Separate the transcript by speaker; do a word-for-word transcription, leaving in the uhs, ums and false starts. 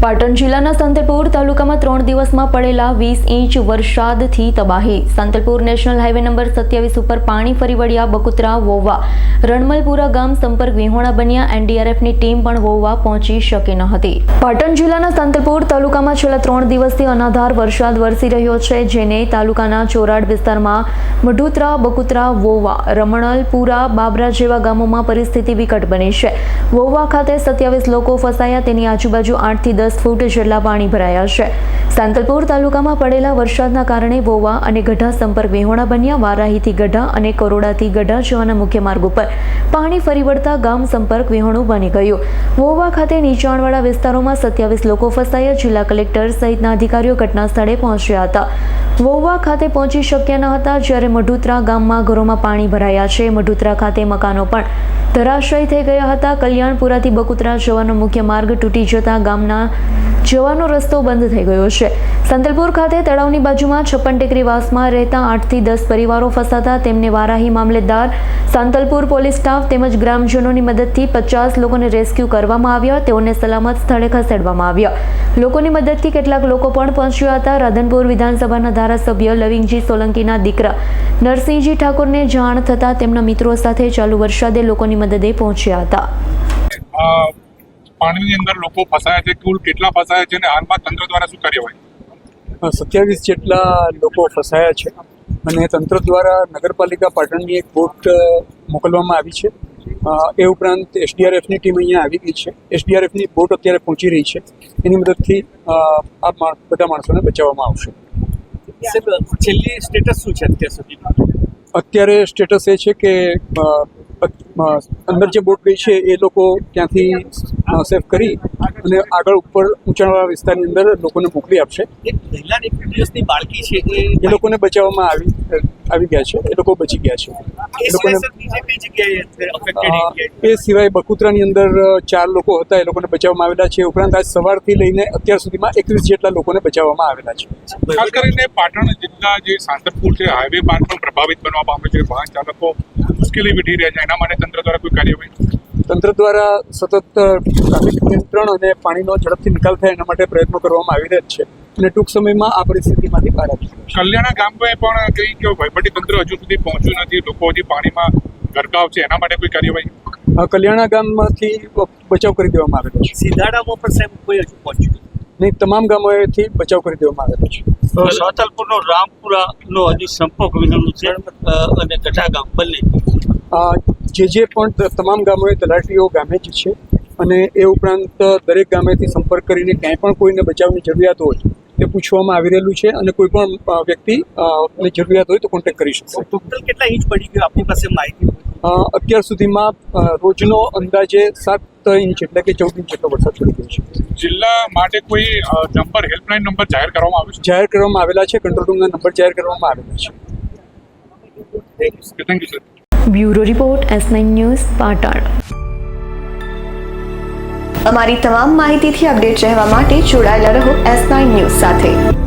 Speaker 1: પાટણ જિલ્લાના સાંતલપુર તાલુકામાં ત્રણ દિવસમાં પડેલા વીસ ઇંચ વરસાદથી તબાહી. સાંતલપુર નેશનલ હાઈવે નંબર સત્યાવીસ ઉપર પાણી ફરી વળ્યા. બકુતરા, વોવા, રણમલપુરા ગામ સંપર્ક વિહોણા બન્યા. એનડીઆરએફની ટીમ પણ વોવા પહોંચી શકી ન હતી. પાટણ જિલ્લાના સાંતલપુર તાલુકામાં છેલ્લા ત્રણ દિવસથી અનાધાર વરસાદ વરસી રહ્યો છે, જેને તાલુકાના ચોરાડ વિસ્તારમાં મઢુતરા, બકુતરા, વોવા, રમણલપુરા, બાબરા જેવા ગામોમાં પરિસ્થિતિ વિકટ બની છે. વોવા ખાતે સત્યાવીસ લોકો ફસાયા. તેની આજુબાજુ આઠ થી દસ ફૂટ જેટલા પાણી ભરાયા છે. સાંતલપુર તાલુકામાં પડેલા વરસાદના કારણે વોવા અને ગઢા સંપર્ક વિહોણા બન્યા. વારાહીથી ગઢા અને કરોડાથી ગઢા જવાના મુખ્ય માર્ગ ઉપર પાણી ફરી વળતા ગામ સંપર્ક વિહોણું બની ગયું. વોવા ખાતે નીચાણવાળા વિસ્તારોમાં સત્યાવીસ લોકો ફસાયા. જિલ્લા કલેક્ટર સહિતના અધિકારીઓ ઘટના સ્થળે પહોંચ્યા હતા. વોવા ખાતે પહોંચી શક્યા ન હતા, જ્યારે મઢુતરા ગામમાં ઘરોમાં પાણી ભરાયા છે. મઢુતરા ખાતે મકાનો પણ ધરાશયી થઈ ગયા હતા. કલ્યાણપુરાથી બકુતરા જવાનો મુખ્ય માર્ગ તૂટી જતા ગામના જવાનો રસ્તો બંધ થઈ ગયો છે. સાંતલપુર ખાતે તળાવની બાજુમાં છપ્પન ટેકરી વાસમાં રહેતા આઠ થી દસ પરિવારો ફસાતા તેમને વારાહી મામલેદાર, સાંતલપુર પોલીસ સ્ટાફ તેમજ ગ્રામજનોની મદદથી પચાસ લોકોને રેસ્ક્યુ કરવામાં આવ્યા. તેઓને સલામત સ્થળે ખસેડવામાં આવ્યા. લોકોની મદદથી કેટલાક લોકો પણ પહોંચ્યા હતા. રાધનપુર વિધાનસભાના ધારાસભ્ય લવિંગજી સોલંકીના દીકરા નરસિંહજી ઠાકોરને જાણ થતાં તેમના મિત્રો સાથે ચાલુ વરસાદે લોકોની મદદે પહોંચ્યા હતા.
Speaker 2: પાણીની અંદર લોકો ફસાયા છે, કુલ કેટલા ફસાયા છે અને હાલમાં તંત્ર દ્વારા શું કાર્યવાહી?
Speaker 3: સત્યાવીસ જેટલા લોકો ફસાયા છે અને તંત્ર દ્વારા નગરપાલિકા પાટણની એક બોટ મોકલવામાં આવી છે. એ ઉપરાંત એસડીઆરએફની ટીમ અહીંયા આવી ગઈ છે. એસડીઆરએફની બોટ અત્યારે પહોંચી રહી છે. એની મદદથી આ બધા માણસોને બચાવવામાં આવશે.
Speaker 4: છેલ્લી સ્ટેટસ શું છે અત્યાર સુધીમાં?
Speaker 3: અત્યારે સ્ટેટસ એ છે કે અંદર જે બોટ ગઈ છે એ લોકો ત્યાંથી સેફ કરી અને આગળ ઉપર ઊંચાણવાળા વિસ્તારની અંદર લોકોને મોકલી આપશે.
Speaker 4: એક મહિલા એક દિવસની બાળકી છે
Speaker 3: એ લોકોને બચાવવામાં આવી આવી ગયા છે. એ લોકો બચી ગયા છે. એ લોકોને એ સિવાય બકુતરાની અંદર ચાર લોકો હતા, એ લોકોને બચાવવામાં આવેલા છે. ઉપરાંત આજ સવારથી લઈને અત્યાર સુધીમાં એકવીસ જેટલા લોકોને બચાવવામાં આવેલા છે.
Speaker 2: ખાસ કરીને પાટણ જિલ્લા જે સાંતલપુર છે, હાઈવે માર્ગ પણ પ્રભાવિત બનવા પામે છે. વાહન ચાલકો મુશ્કેલી વેઠી રહ્યા છે. એના માટે તંત્ર દ્વારા કોઈ કાર્યવાહી?
Speaker 3: તંત્ર દ્વારા સતત ટ્રાફિક નિયંત્રણ અને પાણીનો ઝડપથી નિકાલ થાય એના માટે પ્રયત્નો કરવામાં આવી રહ્યા છે અને ટૂંક સમયમાં આ પરિસ્થિતિમાંથી બહાર આવી છે.
Speaker 2: કલ્યાણા ગામમાં પણ કઈ કે વહીવટી તંત્ર હજુ સુધી પહોંચ્યું નથી, લોકો હજી પાણીમાં ગરકાવ છે, એના માટે કોઈ કાર્યવાહી?
Speaker 3: કલ્યાણા ગામમાંથી બચાવ કરી દેવામાં આવેલો છે.
Speaker 4: સીધાડામાં પણ સાહેબ કોઈ હજુ પહોંચ્યું
Speaker 3: નહીં. તમામ ગામોએથી બચાવ કરી દેવામાં આવેલો છે.
Speaker 4: સાંતલપુરનો રામપુરાનો હજી સંપર્ક વિહોણું છે અને ગઢા ગામ બંને
Speaker 3: જે જે પણ તમામ ગામોએ તલાટીઓ ગામે જ છે અને એ ઉપરાંત દરેક ગામેથી સંપર્ક કરીને ક્યાંય પણ કોઈને બચાવની જરૂરિયાત હોય તે પૂછવામાં આવી રહેલું છે અને કોઈ પણ વ્યક્તિ જરૂરિયાત હોય તો કોન્ટેક્ટ કરી શકશે.
Speaker 4: ટોટલ કેટલા ઇંચ પડી ગયો આપની પાસે માહિતી?
Speaker 3: અત્યાર સુધીમાં રોજનો અંદાજે સાત ઇંચ એટલે કે ચૌદ ઇંચ જેટલો વરસાદ પડી ગયો છે.
Speaker 2: જિલ્લા માટે કોઈ નંબર, હેલ્પલાઇન નંબર જાહેર કરવામાં આવ્યો છે?
Speaker 3: જાહેર કરવામાં આવેલા છે. કંટ્રોલ રૂમના નંબર જાહેર કરવામાં આવેલા છે.
Speaker 2: Thank you sir.
Speaker 1: Bureau report, S nine news, Patan.
Speaker 5: અમારી તમામ માહિતીથી અપડેટ રહેવા માટે જોડાયેલા રહો એસ નાઇન ન્યૂઝ સાથે.